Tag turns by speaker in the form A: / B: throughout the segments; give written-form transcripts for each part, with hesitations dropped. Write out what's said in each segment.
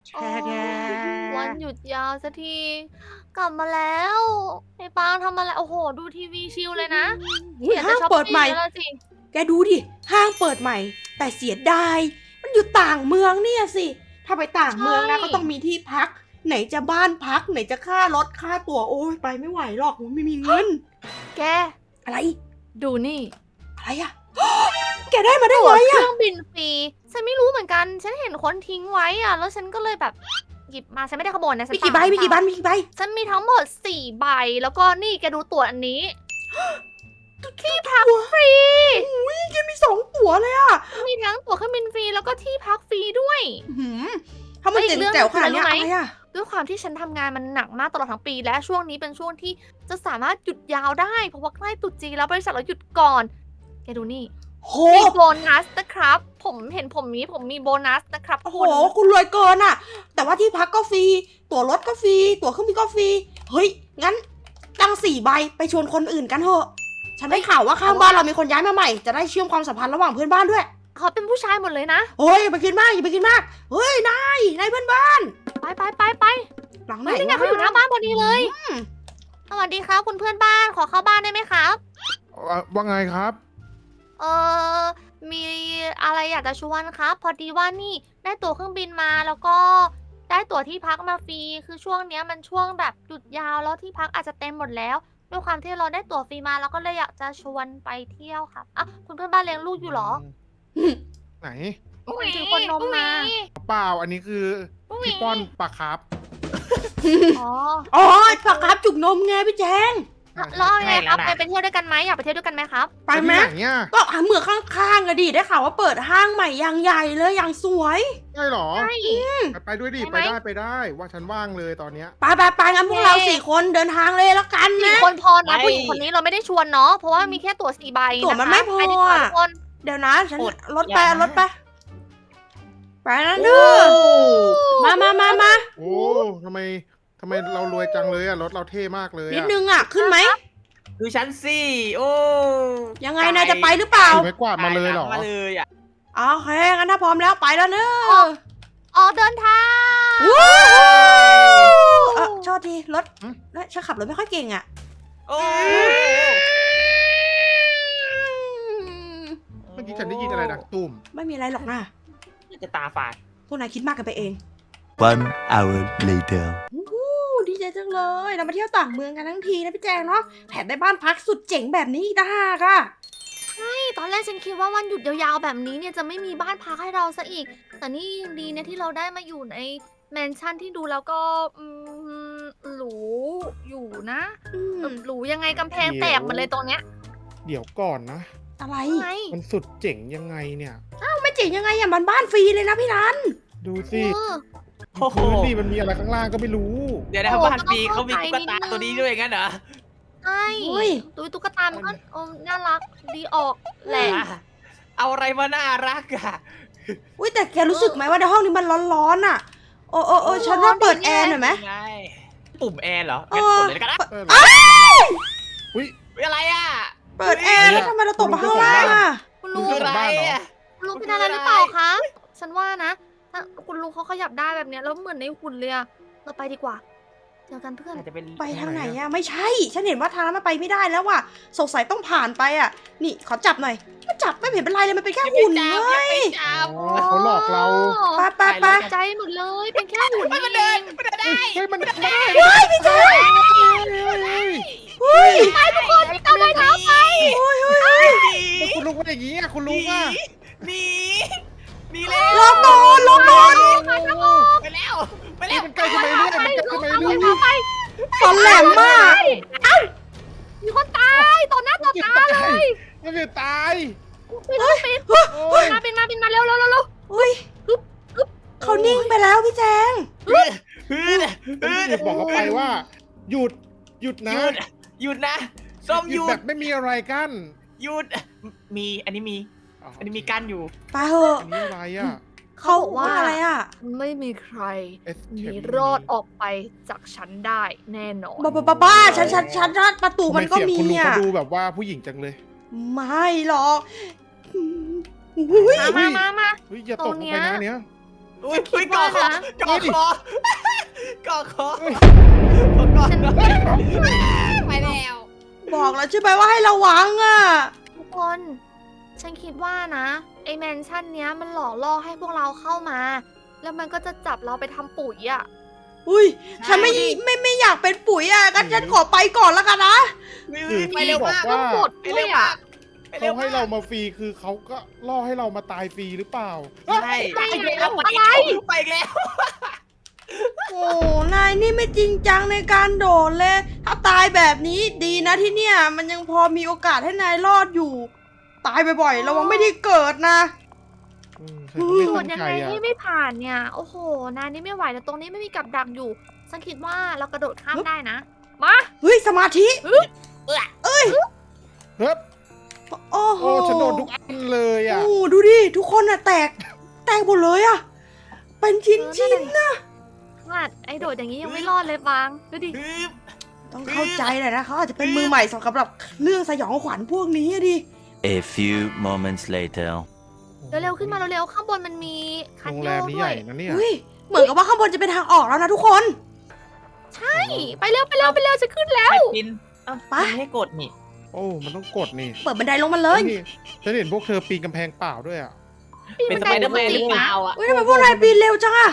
A: โอ้วันหยุดยาวสักทีกลับมาแล้วไอ้ปางทำอะไรโอ้โหดูทีวีชิลเลยนะ
B: อุ๊ย
A: อยาก
B: ห้า
A: จะ
B: ง
A: ช้อป
B: เปิด
A: ปิ้
B: ใหม่
A: งแล้วสิ
B: แกดูดิ ห้างเปิดใหม่ แต่เสียดาย มันอยู่ต่างเมืองเนี่ยสิ ถ้าไปต่างเมืองนะก็ต้องมีที่พัก ไหนจะบ้านพัก ไหนจะค่ารถค่าตั๋วโอ้ยไปไม่ไหวหรอกไม่มีเงิน
A: แก
B: อะไร
A: ดูนี่
B: อะไรอะ แกได้มาได้
A: ตั๋ว
B: ไง
A: เค
B: อะ
A: รื่องบินฟรีฉันไม่รู้เหมือนกัน ฉันเห็นคนทิ้งไว้อะแล้วฉันก็เลยแบบหยิบมาฉันไม่ได้ขโมยนะฉัน
B: มีกี่ใบ
A: ฝา
B: มีกี่ใบมีกี่ใบ
A: ฉันมีทั้งหมด4 ใบแล้วก็นี่แกดูตั๋วอันนี้ที่พักฟรี
B: อุ้ยแกมี2 ตั๋วเลยอะ
A: มีทั้งตั๋วเครื่องบินฟรีแล้วก็ที่พักฟรีด้วย
B: หืมถ้ามัน
A: แล้วอี
B: เจ๋
A: ก
B: ง
A: เรื่อง
B: แจ๋วขนาดเนี้ย
A: คือ
B: อะ
A: อะไรรู้ไหม
B: ไรอะ
A: ด้วยความที่ฉันทำงานมันหนักมากตลอดทั้งปี และช่วงนี้เป็นช่วงที่จะสามารถหยุดยาวได้เพราะว่าใกล้ตรุษจีนแล้วบริษัทเราหยุดก่อนแกดูนี่
B: โห
A: มีโบนัสนะครับ ผมเห็นผมมีโบนัสนะครับ
B: โอ้โห
A: คุณ
B: คุณรวยเกินอะแต่ว่าที่พักก็ฟรี ตั๋วรถก็ฟรี ตั๋วเครื่องบินก็ฟรี เฮ้ย งั้นตั้ง4 ใบไปชวนคนอื่นกันเถอะ ฉันได้ข่าวว่าข้างบ้านเรามีคนย้ายมาใหม่ จะได้เชื่อมความสัมพันธ์ระหว่างเพื่อนบ้านด้วย
A: เขาเป็นผู้ชายหมดเลยนะ
B: เฮ้ยอย่าไปคิดมากอย่าไปคิดมาก เฮ้ย นายเพื่อนบ้าน
A: ไป
B: หลังไหน
A: เฮ้ยนี่ไงเขาอยู่หน้าบ้านพอดีเลย
B: อืม
A: สวัสดีครับคุณเพื่อนบ้านขอเข้าบ้านได้ไหมครับ
C: ว่าไงครับ
A: เออมีอะไรอยากจะชวนครับ พอดีว่านี่ได้ตั๋วเครื่องบินมาแล้วก็ได้ตั๋วที่พักมาฟรีคือช่วงเนี้ยมันช่วงแบบหยุดยาวแล้วที่พักอาจจะเต็มหมดแล้วด้วยความที่เราได้ตั๋วฟรีมาเราก็เลยอยากจะชวนไปเที่ยวครับอ่ะคุณเพื่อนบ้านเลี้ยงลูกอยู่เหรอ
C: ไหน
A: เหมือนถือคนนมมา
C: เปล่าอันนี้คือพี่ป้อนปลาครับ
A: อ๋อ
B: อ๋อปากกาจุกนมไงพี่แจง
A: แล้วเอาไงครับไปเที่ยวด้วยกันไหมอยากไปเที่ยวด้วยกันไหมครับ
B: ไปไหม
C: ที่นเนี่ย
B: ก็หาเหมืองข้างๆอะดิ ได้ข่าวว่าเปิดห้างใหม่อย่างใหญ่เลยอย่างสวย
C: ใช่เหรอ
A: ใช่
C: ไปด้วยดิ
A: ไปไหม
C: ไปได้ว่าฉันว่างเลยตอนเนี้ย
B: ไปงั้นพวกเรา4 คนเดินทางเลยแล้วกัน
A: สี่
B: นะ
A: คนพอนะ
D: ไม่
A: ผู้หญิงคนนี้เราไม่ได้ชวนเนาะเพราะว่ามีแค่ตั๋ว4 ใบ
B: ตั๋วมันไม่พอ
A: ไปดีกว่าทุกคน
B: เดี๋ยวนะฉัน
D: อด
B: รถไป
D: อย่านะ
B: รถไปไปนะเด้อมา
C: โอ้ทำไมเรารวยจังเลยอะรถเราเท่มากเลย
B: นิด
C: อะ
B: นึงอ่ะ ขึ้นไหม
D: ดูฉันสิโอ้
B: ยังไงนายจะไปหรือเปล่า
C: ถือไม้กวาดมาเลยเหรอ
D: มาเลยอ่ะ
B: อ๋อโอเคงั้นถ้าพร้อมแล้วไปแล้วเนอะ
A: ออกเดินทาง
B: ว้าวโทษทีรถฉันขับรถไม่ค่อยเก่งอ่ะ
D: โอ้
C: เมื่อกี้ฉันได้ยินอะไรดังตุ้ม
B: ไม่มีอะไรหรอกนะ
D: จะตาฝาด
B: พวกนายคิดมากกันไปเอง
E: One hour later.
B: ดีใจจังเลยเรามาเที่ยวต่างเมืองกันทั้งทีนะพี่แจงเนาะแถมได้บ้านพักสุดเจ๋งแบบนี้อีกต่างหากอ่ะ
A: ตอนแรกฉันคิดว่าวันหยุดยาวๆแบบนี้เนี่ยจะไม่มีบ้านพักให้เราซะอีก แต่นี่ยังดีนะที่เราได้มาอยู่ในแมนชั่นที่ดูแล้วก็หรูอยู่นะ
B: อืม
A: หรูยังไงกำแพงแตกหมดเลยตรงเนี้ย
C: เดี๋ยวก่อนนะ
B: อะไร
A: ไง
C: มันสุดเจ๋งยังไงเนี่ย
B: ไม่เจ๋งยังไงอ่ะมันบ้านฟรีเลยนะพี่รัน
C: ดูสิ
A: เออ
D: โอ้โห
C: พื้นดิมันมีอะไรข้างล่างก็ไม่รู้
D: เดี๋ยวนะ
A: โอ้
D: บ้าน
A: ก็ต้อง
D: ปีเขามี
A: เข้าใจ
D: ตุ๊กตา
A: นิดนึง
D: ตัวนี้ด้วยงั้นเหรอ
A: ใช่
B: เฮ้ย
A: ดูตุ๊กตามันก็น่ารักดีออกแหละ
D: เอาอะไรมาน่ารักอ่ะ
B: อุ้ยแต่แกรู้สึกไหมว่าในห้องนี้มันร้อนๆอ่ะ โอ้ฉันว่าเปิดแอร์หน่อยไหม
D: ไงปุ่มแอร์เหรอ
B: เออ
D: งั้นกดเลยแล้วกันนะ
C: อุ้ย
D: อะไรอ่ะ
B: เปิดแอร์แล้วทำไมเราตกมาข้างล่างอ่ะ
A: คุณลุง
D: คืออะไรอ่ะ
A: คุณลุงเป็นอะไรหรือเปล่าคะ ฉันว่านะถ้าคุณลุงเขาขยับได้แบบเนี้ยแล้วเหมือนในหุ่นเลยอะเราไปดีกว่า เจอกันเพื่อน
D: อาจจะเป็น
B: ไปทางไหนอ่ะไม่ใช่ ฉันเห็นว่าทางนั้นมันไปไม่ได้แล้วว่ะสงสัยต้องผ่านไปอ่ะ นี่ขอจับหน่อยมาจับไม่เห็นเป็นไรเลยมันเป็นแค่หุ่น
D: จั
B: เล
D: บ
B: ย
D: จับ
C: อ๋อเขาหลอกเรา
B: ไป
A: ใจหมดเลย เป็นแค่หุ่น
D: มันเดินมันเดินได้
C: เฮ้ยมันได้
B: เฮ้ยพี่แจ๊ค เฮ้ย
D: ไปทุกคนเอาเลยเท้าไป
C: แล้วคุณลุงว่าอย่างงี้อะคุณลุงอะ
D: หนีหนีแล้ว
B: ลองนอนลองนอน
D: ไปแล้วไป
C: เฮ้
D: แล้
C: ยว มันใกล้ขึ้นไปเรื่อยมันใกล้ขึ้นไปเรื่อย
B: ฟันแหลมมาก
A: มีคนตายต่อหน้าต่อตาเลย
C: มันจะตาย
A: ปิดลูกปิด
C: โอ้ย
A: บินมาเร็ว
B: เฮ้ยเขานิ่งไปแล้วพี่แจง
C: จะบอกเขาไปว่า หยุดนะ
D: หยุดนะส้ม
C: ห
D: ห
C: ยุด
D: ยุ
C: แบ
D: ด
C: บไม่มีอะไรกั้น
D: หยุดมีอันนี้มีกั้นอยู่
B: ไปเถอะ
C: อันนี้อะไรอะ
B: เขาว่าอะไรอ่ะ
A: ไม่มีใคร
C: Escape
A: หนีรอดออกไปจากฉันได้แน่นอน
B: บ้าฉันประตูมันก็
C: ทำไเสียง
B: มี
C: คุณลุง
B: อ่ะ
C: เขาดูแบบว่าผู้หญิงจังเลย
B: ไม่หรอกอุ้ย
A: มา
C: เฮ้ยอย่าตกลงไปนะเนี้ย
D: อุ้ยกอคอกอคอกอคอ
C: เฮ้ย
D: กอ
A: ฉัน
D: ไปแล้ว
B: บอกแล้วใช่ไหมว่าให้ระวังอ่ะ
A: ทุกคน ฉันคิดว่านะไอแมนชั่นเนี้ยมันหล่อล่อให้พวกเราเข้ามา แล้วมันก็จะจับเราไปทำปุ๋ยอ่ะ
B: อุ้ยฉันไม่อยากเป็นปุ๋ยอ่ะงั้นฉันขอไปก่อนแล้วกันนะ
D: ไปเร็ว
C: บอก
D: มาก
C: ว่า
A: หมดด้วยอ่ะ
C: เขาให้เรามาฟรีคือเขาก็ล่อให้เรามาตายฟรีหรือเปล่า
D: ใช่
A: ไปแล้ว
D: ไปอีกแล้ว
B: โอ้นายนี่ไม่จริงจังในการโดดเลย ถ้าตายแบบนี้ดีนะที่เนี่ย มันยังพอมีโอกาสให้นายรอดอยู่ ตายบ่อยๆระวังไม่ได้เกิดนะ
C: ฉันก็ไม่
A: โด
C: ตั้
A: ด
C: ง
A: ยัง
C: ใจ
A: ไง
C: อ่ะ
A: ให้ไม่ผ่านเนี่ย โอ้โห นายนี่ไม่ไหวแต่ตรงนี้ไม่มีกับดักอยู่ ฉันคิดว่าเรากระโดดข้ามได้นะ มา
B: เฮ้ยสมาธิ
C: เฮ้ย
B: โอ้โห
C: โอ้ฉันโดนทุกอันเลยอ่ะ
B: โอ้ดูดิ ทุกคนอะแตกหมดเลยอะเป็นชิ้นๆนะ
A: ขนาดไอโดดอย่างนี้ยังไม่รอดเลยบางดูดิ
B: ต้องเข้าใจเลยนะเขาอาจจะเป็นมือใหม่สำหรับเรื่องสยองขวัญพวกนี้อะดิ
E: A few moments later.
A: เร็วๆขึ้นมาเร็วๆข้างบนมันมีคัน
C: โรง
A: โย
C: แรม
A: ก
C: นี้
A: ด้
C: ให
A: ว
C: ญ่
A: ย
C: นะเนี่ย
B: เฮ้ยเหมือนกับว่าข้างบนจะเป็นทางออกแล้วนะทุกคน
A: ใช่ ไปเร็วจะขึ้นแล้ว
D: ปินไม่ให้กดนี่
C: โอ้มันต้องกดนี่
B: เปิดบันไดลงมาเลย
C: นี่ฉันเห็นพวกเธอปีนกำแพงเปล่าด้วยอ่ะ
D: เป็นสไปเดอร์แมนหรือเปล่าอ่ะ
B: เฮ้ยทำไมพวกนายปีนเร็วจังอะ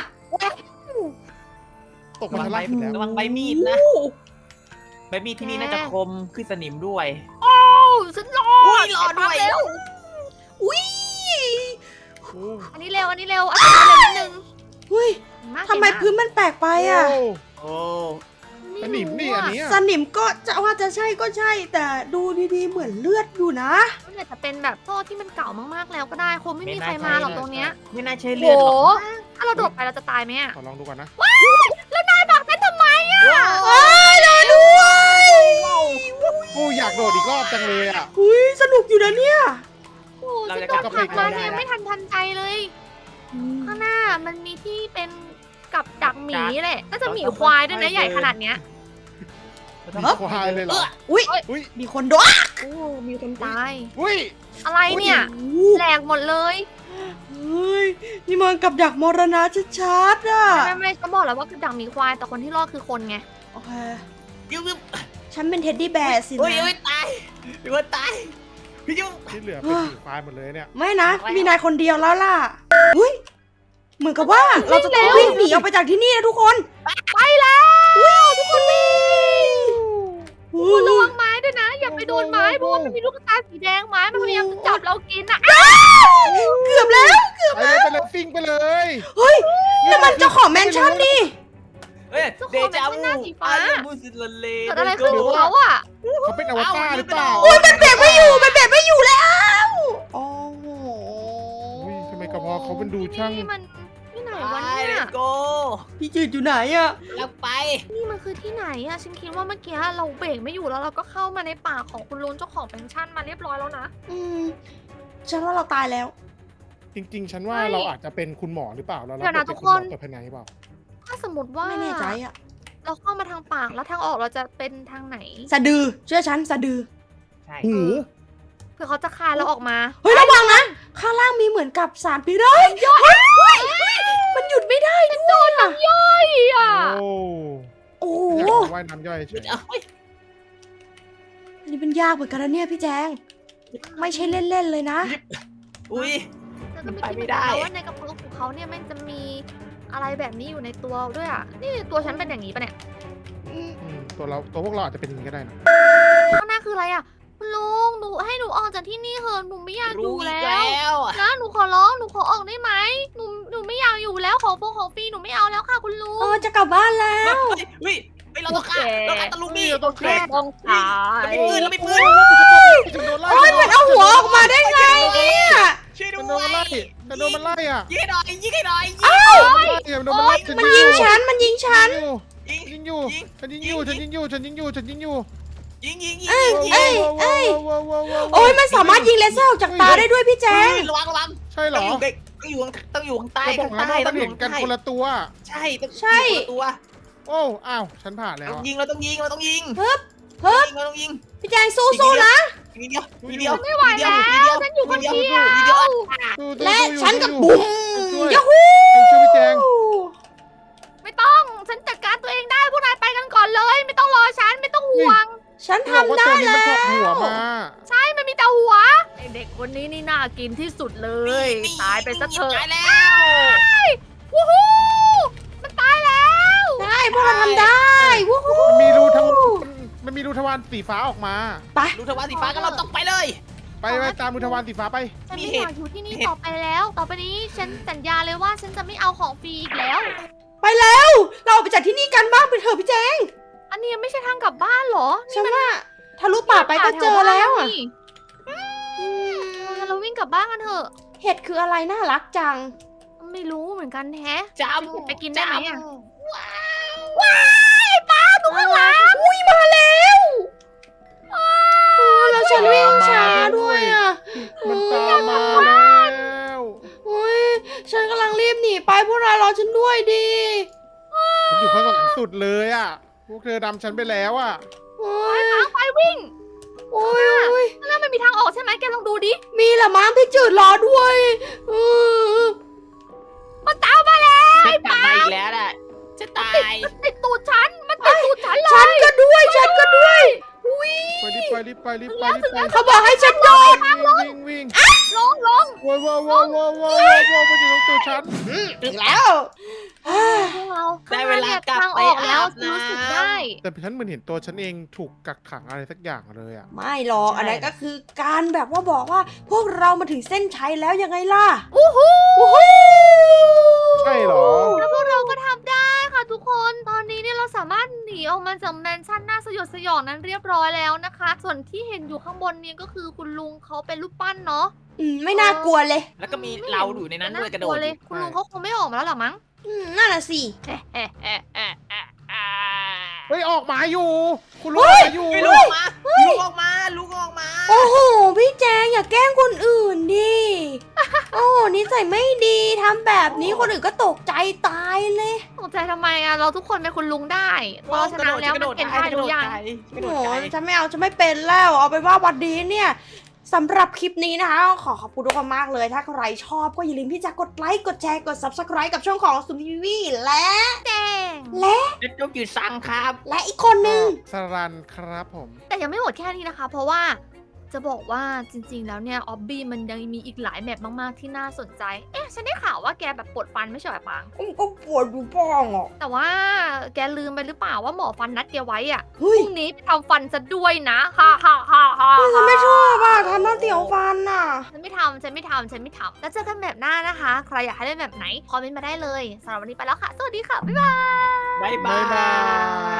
C: ตกมาชั้นล่างสุดแล้ว
D: ระวังใบมีดนะ ใบมีดที่นี่น่าจะคมคือสนิมด้วย
A: โอ้ฉันรอ
D: อุ้
A: ด
D: ยรอด้วย
A: เร็ว
B: อุ้ย
C: โอ้
A: อันนี้เร็วอันนี้เร็วอันนี้เร็วนิดนึง
B: เฮ้ย
A: าก
B: ทำไมพื้นมันแปลกไปอะ
C: โอ้
D: โอ้
C: สนิมนี่อันเนี้ย
B: สนิมก็จะว่าจะใช่ก็ใช่ แต่ดูดีๆเหมือนเลือดอยู่นะ
A: มันอาจจะเป็นแบบโซ่ที่มันเก่ามากๆแล้วก็ได้คงไม่มีใครมาหรอกตรงเนี้ย
D: ไม่น่าใช่
A: โห
D: เลือดหรอก
A: ถ้าเราโดดไปเราจะตายไหมอะ
C: ขอลองดูก่อนนะ
A: แล้วนายบอกฉันทำไมอะ
B: เอ้ยรอด้วย
C: โอ้อยากโดดอีกรอบจังเลยอ่ะ
B: อุ้ยสนุกอยู่นะเนี่ย
A: โอ้ฉันโดดผลักมาเนี่ยไม่ทันใจเลย ข้างหน้ามันมีที่เป็นกับดักหมีแหละน่าจะหมีควายด้วยนะใหญ่ขนาดเนี้ย
C: ควายเลยเหรอ
B: อุ้ย
C: อุ้ย
B: มีคนโดน
A: โอ้มีคนตาย
C: อุ้ย
A: อะไรเนี่ย
B: โอ้
A: แหลกหมดเลย
B: เฮ้ยนี่มันกับดักมรณะชัดๆอ่ะ
A: ไม่ฉันบอกแล้วว่ากับดักหมีควายแต่คนที่รอดคือคนไง
B: โอเค
D: ยุ่ง
B: ฉันเป็นเท็ดดี้แบร์สิ
D: อุ้ย
B: นะ
D: อุ้ยตายพี่ว่าตายพี่ยุ่ง
C: ที่เหลือเป็นสีควายหมดเลยเนี่ย
B: ไม่นะ มีนายคนเดียวแล้วล่ะอุ้ยเหมือนกับว่าเราจะต้องวิ่งหนีออกไปจากที่นี่นะทุกคน
A: ไปแล้วทุกคนวิ่ง
B: อุ้
A: คุณระ
B: ย
A: วังไม้ด้วยนะ อย่าไปโดนไม้เพราะว่ามันมีลูกตาสีแดงไม้มันพยายามจะจับเรากินอ่ะ
B: เกือบแล้ว
C: ไปเลยฟิงไปเลย
B: เฮ้ยนั่นมันเจ้าของแมนชั่นนี่
D: เฮ้ยเดจาวูอายุบุสิลเล
A: เกิดอะไรขึ้นกับเขาอ่ะ
C: เขาเป็นอวตารหรือเปล่า
B: อุ้ยมันเบรกไม่อยู่แล้วโอ้โห
C: อุ้ยทำไมกระเพาะเขาเป็นดูช่าง
A: นี่มันที่ไหน
D: ไป
A: วะ
D: เล
A: เนี่ย
D: ยโก
B: พี่จืดอยู่ไหนอะ
D: แล้วไป
A: นี่มันคือที่ไหนอะฉันคิดว่าเมื่อกี้เราเบรกไม่อยู่แล้วเราก็เข้ามาในป่าของคุณลุงเจ้าของแพนชั่นมาเรียบร้อยแล้วนะ
B: ฉันว่าเราตายแล้ว
C: จริงๆ ฉันว่า
A: ไม่
C: เราอาจจะเป็นคุณหมอหรือเปล่าแล้วเรา
A: เดี๋ยวนะ
C: เป็น
A: ทุก
C: คุณหม
A: ค
C: อน เปิดภายในหรือเปล่า
A: ถ้าสมมติว่า
B: ไม่แน่ใจอะ
A: เราเข้ามาทางปากแล้วทางออกเราจะเป็นทางไหน
B: สะดือเชื่อฉันสะดือ
D: ใช่
C: หู
A: เพื่อเขาจะคายเราออกมา
B: เฮ้ยระวังนะข้างล่างมีเหมือนกับสารพิษเลยมันหยุดไม่ได้ด้วยอะ
A: อ่ะ
C: โอ้
B: โอ้
C: อยาก
B: โห
C: จะว่ายน้ำย่อยเฉย
B: อันนี้เป็นยากเหมือนกันนะเนี่ยพี่แจง ไม่ใช่เล่นๆเลยนะ
D: อุ้ย
A: แล้วก็ไม่
D: ไป
A: คิด
D: ไม่
A: เหมือนกัน
D: ได้
A: นะว่าในกระเพาะของเขาเนี่ยมันจะมีอะไรแบบนี้อยู่ในตัวด้วยอ่ะ นี่ตัวฉันเป็นอย่างนี้ปะเนี่ย
C: ตัวพวกเราอาจจะเป็นอย่างนี้ก็ได้นะ
A: ข้างหน้าคืออะไรอ่ะคุณลุงหนูให้หนูออกจากที่นี่เถอะหนูไม่อยากอ
D: รู้
A: ยู่
D: อีก
A: แล้ว
D: แล้วอะ
A: นะหนูขอร้องหนูขอออกได้ไหมหนูไม่อยากอยู่แล้วของฟรีหนูไม่เอาแล้วค่ะคุณลุง
B: จะกลับบ้านแล้ว
D: เฮ้ยเราต้องฆ่าเราฆ่าตะลุงนี่
C: เราต้องฆ่า
A: ต้องตาย
D: เราไม่ปืน
C: ฉันโดนไล่
B: โอ้ยมันเอาหัวออกมาได้ไงเนี่ย
D: ช่วย
C: ฉั
D: ด้
C: นโดน
D: ว
C: มันไล่
D: ย
C: ฉันโดนมันไล่อ่ะ
D: ยิงให้หน่อยยิงให้หน่อย
C: มันโดนมันไล่
B: มันยิงฉัน มันยิงฉัน
C: ยิงอยู่ฉันยิงอยู่ฉันยิงอยู่ฉันยิงอยู่ฉันยิงอยู่
D: ยิง
B: เอ้ย โอ้ยมันสามารถยิงเลเซอร์ออกจากตาได้ด้วยพี่แจง
D: ระวังระวัง
C: ใช่เหร
D: ต้
C: อ
D: องอยู่ข้างใต้
C: เราบอก
D: ข้าง
C: แล้ว
D: ใต้
C: ว่า
D: ต้
C: มั
D: อน งอยู่
C: เห็นกัน
D: ข้างใต้
C: คนละตัว
D: ใช่ต้อง
B: ใช่
D: อยู่คนละตัว
C: โอ้อ้าวฉันผ่านแล้ว
D: เราต้องยิงเราต้องยิง
B: ฮึบ
D: เราต้องยิง
B: พี่แจงสู้ๆนะ
D: ทีเดียวทีเดียว
A: ไม่ไหวแล้วฉันอยู่คนเดียว
C: ดู
B: และ
C: ดู
B: ฉันกับ
C: ดู
B: บุ๋ม
C: ช่วย
B: ยาฮู
C: ช่วยพี่แจแจง
A: ไม่ต้องฉันจัดการตัวเองได้พวกนายไปกันก่อนเลย ไม่ต้องรอฉันไม่ต้องห่วง
B: ฉัน
C: บอกว่า
B: ทำได้
C: ตัวนี้มัน
B: แล้
C: ถอดหัว
B: ว
C: มา
A: ใช่มันมีแต่หัวเด็กคนนี้นี่น่ากินที่สุดเลย ตายไปซะเถอะ
D: ตายแล้ว
A: วู้ฮู้มันตายแล้ว
B: ใช่พวกเราทำได้วู้ฮู้
C: มันมีรูทวารมันมีรูทวารสีฟ้าออกมา
B: ไป
D: ลูกทวารสีฟ้าก็เราต้องไปเลย
C: ไปตามรูทวารสีฟ้าไป
A: ฉัน
D: มี
A: ไม่
D: เห
A: อ
D: ตุ
A: ยากอยู่ที่นี่
D: มีเหตุ
A: ต่อไปแล้ว ต่อไปนี้ฉันสัญญาเลยว่าฉันจะไม่เอาของฟรีอีกแล้ว
B: ไปแล้ว เราออกไปจากที่นี่กันบ้างไปเถอะพี่แจง
A: อันนี้ไม่ใช่ทางกลับบ้านเหรอ
B: ฉันว่าทะลุป่าไปก็เจอแล้วอ่ะ
A: เราวิ่งกลับบ้านกันเถอะ
B: เห็ดคืออะไรน่ารักจัง
A: ไม่รู้เหมือนกันแฮะ
D: จ
A: ไปกินได้ไหมอะ
D: ว้าว
A: ดูข้างหลัง
B: อุ้ยมาแล้วแล้วฉันวิ่งช้าด้วยอ่ะ
C: มันตามมาแล้ว
B: อุ้ยฉันกำลังรีบหนีไปพวกนายรอฉันด้วยดิ
C: มันอยู่ข้างหลังสุดเลยอ่ะ พวกเธอดำฉันไปแล้วอ่ะ
B: โอ้ย
A: ไปวิ่ง
B: โอ้ยโอ้ย
A: แล้วมันมีทางออกใช่ไหมแกลองดูดิ
B: มีละมั้งพี่จืดรอด้วยเออ
A: มันตามมาแล้ว
D: ฉันกลับมาอีกแล้วแหละจะตาย
A: มันติดตูดฉัน มันติดตูดฉันเลย
B: ฉันก็ด้วยฉันก็ด้วยอุ้ย
C: รีบไป
B: เขาบอกให้ฉันโดด
C: วิ่ง
A: ลง
C: ว้าวมันอยู่ตรงตัวฉัน
B: ถึงแล้ว
A: พวกเรา
D: ได้เวลากลับ
A: ทาง
D: ไป
A: ออกแล้ว
D: อาบน้ำ
A: รู้สึกได้
C: แต่ฉันเหมือนเห็นตัวฉันเองถูกกักขังอะไรสักอย่างเลยอ่ะ
B: ไม่หรอกอันนั้นก็คือการแบบว่าบอกว่า พวกเรามาถึงเส้นชัยแล้วยังไงล่ะ
A: อู้หู
C: ใช่เหรอ
A: แล้วพวกเราก็ทำได้ค่ะทุกคน ตอนนี้เนี่ยเราสามารถหนีออกมาจากแมนชั่นน่าสยดสยองนั้นเรียบร้อยแล้วนะคะ ส่วนที่เห็นอยู่ข้างบนเนี่ยก็คือคุณลุงเขาเป็นรูปปั้นเนาะ
B: ไม่น่ากลัวเลย
D: แล้วก็มีเราอยู่ในนั้นด้วยกระโดด
A: เลย คุณลุงเขาคงไม่ออกมาแล้วหรอมั้ง
B: นั่นน่ะสิ
C: เฮ้ยออกมาอยู่ คุณลุงออกมาอยู่
D: ลูกออกมาลูกออกมาลูกออกมา
B: โอ้โหพี่แจงอย่าแกล้งคนอื่นดิ โอ้โหนิสัยไม่ดีทำแบบนี้คนอื่นก็ตกใจตายเลย
A: ตกใจทำไมอะเราทุกคนเป็นคุณลุงได้เพราะฉะนั้นแล้วมันเป็นได้ทุกอย่าง
D: กระโด
B: โอ้
D: ด
B: โห
D: ไกล
B: ฉันไม่เอาฉันไม่เป็นแล้วเอาเป็นว่าวันนี้เนี่ยสำหรับคลิปนี้นะคะขอขอบคุณทุกคนมากเลย ถ้าใครชอบก็อย่าลืมที่จะกดไลค์กดแชร์กด subscribe กับช่องของสุนทีวีและ
A: แดง
B: และ
D: เด็กต้องจืดสั่งครับ
B: และอีกคนนึง
C: สรันครับผม
A: แต่ยังไม่หมดแค่นี้นะคะ เพราะว่าจะบอกว่าจริงๆแล้วเนี่ยออบบี้มันยังมีอีกหลายแมปมากๆที่น่าสนใจ เอ๊ะฉันได้ข่าวว่าแกแบบปวดฟันไม่ใช่แบบปัง
B: ก็ปวดอยู่บ้างอ่ะ
A: แต่ว่าแกลืมไปหรือเปล่าว่าหมอฟันนัดแกไว้อะพ
B: เฮ้ย
A: รุ่งนี้ไปทำฟันจะด้วยนะฮ่าฮ่าฮ่าฮ่า
B: ฉันไม่ชอบอ่ะทำหน้าเตี๋ยวฟันอ่ะ
A: ฉันไม่ทำแล้วเจอกันแบบหน้านะคะ ใครอยากให้เล่นแบบไหนคอมเมนต์มาได้เลยสำหรับวันนี้ไปแล้วค่ะ สวัสดีค่ะ บ๊ายบาย
D: บ๊าย
C: บ๊ายบาย